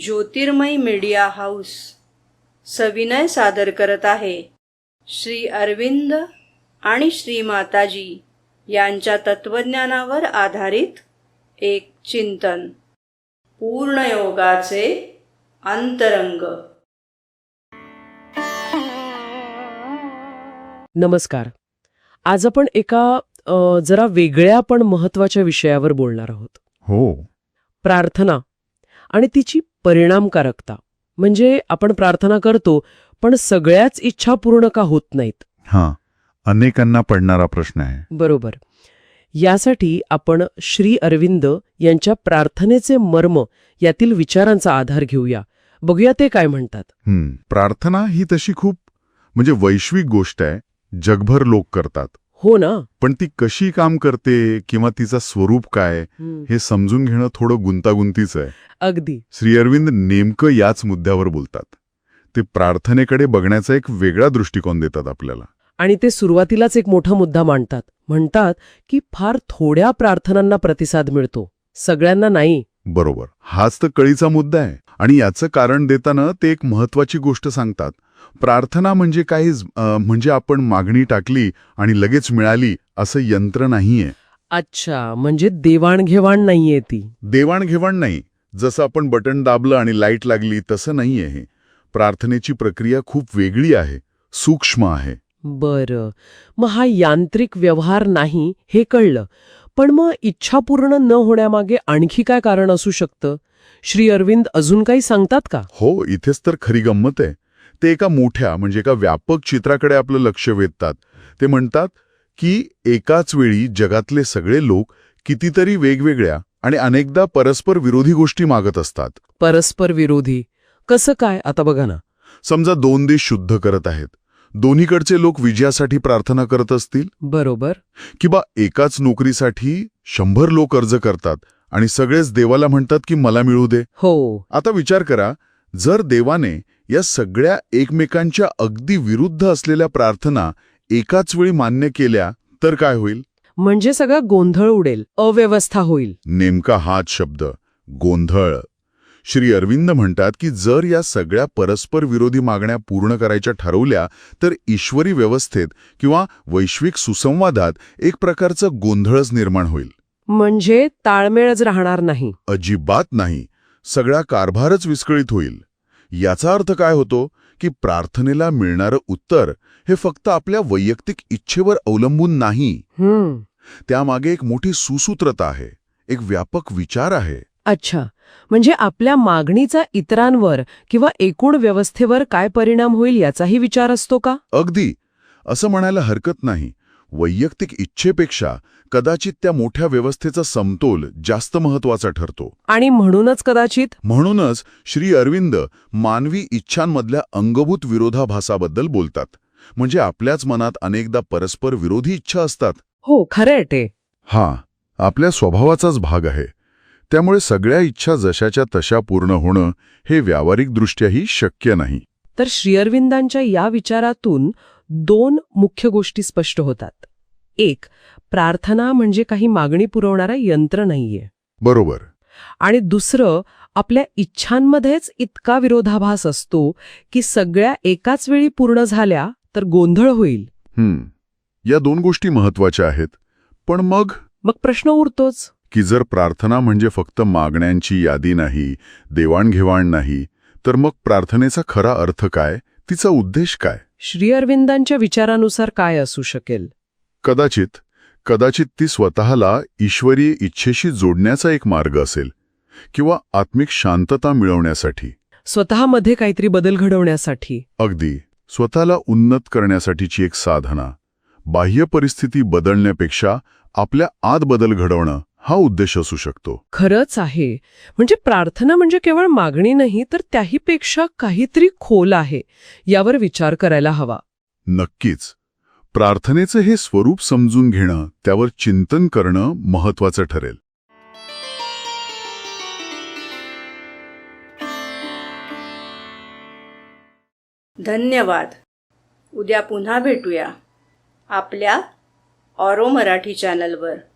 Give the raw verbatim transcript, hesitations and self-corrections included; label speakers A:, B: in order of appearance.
A: ज्योतिर्मय media house सविनय सादर करत आहे श्री अरविंद आणि श्री माताजी यांच्या तत्वज्ञानावर आधारित एक चिंतन, पूर्णयोगाचे अंतरंग.
B: नमस्कार. आज आपण एका अ, जरा वेगळ्या पण महत्वाच्या विषयावर बोलणार आहोत.
C: हो.
B: प्रार्थना आणि तिची परिणामकारकता. म्हणजे आपण प्रार्थना करतो पण सगळ्याच इच्छा पूर्ण का होत नाहीत?
C: हां, अनेकांना पडणारा प्रश्न आहे.
B: बरोबर. यासाठी आपण श्री अरविंद यांच्या प्रार्थनेचे मर्म यातील विचारांचा आधार घेऊया. बघूया ते काय म्हणतात.
C: हं, प्रार्थना ही तशी खूप म्हणजे वैश्विक गोष्ट आहे. जगभर लोक करतात.
B: हो ना.
C: पण ती कशी काम करते किंवा तिचा स्वरूप काय
B: हं,
C: हे समजून घेणं थोडं गुंतागुंतीचं आहे.
B: अगदी.
C: श्री अरविंद नेमकं याच मुद्द्यावर बोलतात. ते प्रार्थनेकडे बघण्याचा एक वेगळा दृष्टिकोन देतात आपल्याला.
B: आणि ते सुरुवातीलाच एक मोठा मुद्दा मांडतात. म्हणतात की फार थोड्या प्रार्थनांना प्रतिसाद मिळतो, सगळ्यांना नाही.
C: बरोबर. हाच तर कळीचा मुद्दा आहे. आणि याचं कारण देताना ते एक महत्वाची गोष्ट सांगतात. प्रार्थना म्हणजे काही म्हणजे आपण मागणी टाकली आणि लगेच मिळाली असं यंत्र नाहीये.
B: अच्छा, म्हणजे देवाणघेवाण नाहीये ती.
C: देवाणघेवाण नाही. जसं आपण बटन दाबलं आणि लाईट लागली तसं नाहीये हे. प्रार्थनेची प्रक्रिया खूप वेगळी आहे, सूक्ष्म आहे.
B: बरं, मग हा यांत्रिक व्यवहार नाही हे कळलं. पण मग इच्छा पूर्ण न होण्यामागे आणखी काय कारण असू शकतं? श्री अरविंद अजून काही सांगतात का?
C: हो, इथेच तर खरी गंमत आहे. ते एका मोठ्या म्हणजे एका व्यापक चित्राकडे आपलं लक्ष वेधतात. ते म्हणतात की एकाच वेळी जगातले सगळे लोक कितीतरी वेगवेगळ्या आणि अनेकदा परस्पर विरोधी गोष्टी मागत असतात.
B: परस्पर विरोधी कसं काय? आता बघा ना.
C: समजा दोन देश शुद्ध करत आहेत. दोन्हीकडचे लोक विजयासाठी प्रार्थना करत असतील.
B: बरोबर.
C: किंवा एकाच नोकरीसाठी शंभर लोक अर्ज करतात आणि सगळेच देवाला म्हणतात की मला मिळू दे.
B: हो.
C: आता विचार करा, जर देवाने या सगळ्या एकमेकांच्या अगदी विरुद्ध असलेल्या प्रार्थना एकाच वेळी मान्य केल्या तर काय होईल?
B: म्हणजे सगळा गोंधळ उडेल, अव्यवस्था होईल.
C: नेमका हाच शब्द, गोंधळ. श्री अरविंद म्हणतात की जर या सगळ्या परस्पर विरोधी मागण्या पूर्ण करायच्या ठरवल्या तर ईश्वरी व्यवस्थेत किंवा वैश्विक सुसंवादात एक प्रकारचा गोंधळच निर्माण होईल.
B: म्हणजे ताळमेळच राहणार नाही.
C: अजिबात नाही. सगळा कारभारच विस्कळीत होईल. याचा अर्थ काय होतो की प्रार्थनेला मिळणारं उत्तर हे फक्त आपल्या वैयक्तिक इच्छेवर अवलंबून नाही.
B: हम्म.
C: त्यामागे एक मोठी सुसूत्रता आहे, एक व्यापक विचार आहे.
B: अच्छा, म्हणजे आपल्या मागणीचा इतरांवर किंवा एकूण व्यवस्थेवर काय परिणाम होईल याचाही विचार असतो का?
C: अगदी. असं म्हणायला हरकत नाही. वैयक्तिक इच्छेपेक्षा कदाचित त्या मोठ्या व्यवस्थेचा समतोल जास्त महत्वाचा ठरतो.
B: आणि म्हणूनच कदाचित
C: म्हणूनच श्री अरविंद मानवी इच्छांमधल्या अंगभूत विरोधाभासाबद्दल बोलतात. म्हणजे आपल्याच मनात अनेकदा परस्पर विरोधी इच्छा असतात.
B: हो, खरंय ते.
C: हा आपल्या स्वभावाचाच भाग आहे. त्यामुळे सगळ्या इच्छा जशाच्या तशा पूर्ण होणं हे व्यावहारिकदृष्ट्याही शक्य नाही.
B: तर श्री अरविंदांच्या या विचारातून दोन मुख्य गोष्टी स्पष्ट होतात. एक, प्रार्थना म्हणजे काही मागणी पुरवणारा यंत्र नाहीये.
C: बरोबर.
B: आणि दुसरं, आपल्या इच्छांमध्येच इतका विरोधाभास असतो की सगळ्या एकाच वेळी पूर्ण झाल्या तर गोंधळ होईल.
C: हम्म. या दोन गोष्टी महत्वाच्या आहेत. पण मग
B: मग प्रश्न उरतोच
C: की जर प्रार्थना म्हणजे फक्त मागण्यांची यादी नाही, देवाणघेवाण नाही, तर मग प्रार्थनेचा खरा अर्थ काय, तिचा उद्देश काय?
B: श्री अरविंदांच्या विचारानुसार काय असू शकेल?
C: कदाचित कदाचित ती स्वतःला ईश्वरीय इच्छेशी जोडण्याचा एक मार्ग असेल किंवा आत्मिक शांतता मिळवण्यासाठी,
B: स्वतःमध्ये काहीतरी बदल घडवण्यासाठी.
C: अगदी स्वतःला उन्नत करण्यासाठीची एक साधना. बाह्य परिस्थिती बदलण्यापेक्षा आपल्या आत बदल घडवणं हा उद्देश असू शकतो.
B: खरंच आहे. म्हणजे प्रार्थना म्हणजे केवळ मागणी नाही तर त्याहीपेक्षा काहीतरी खोल आहे, यावर विचार करायला हवा.
C: नक्कीच. प्रार्थनेचं हे स्वरूप समजून घेणं, त्यावर चिंतन करणं महत्वाचं ठरेल.
A: धन्यवाद. उद्या पुन्हा भेटूया आपल्या ऑरो मराठी चॅनलवर.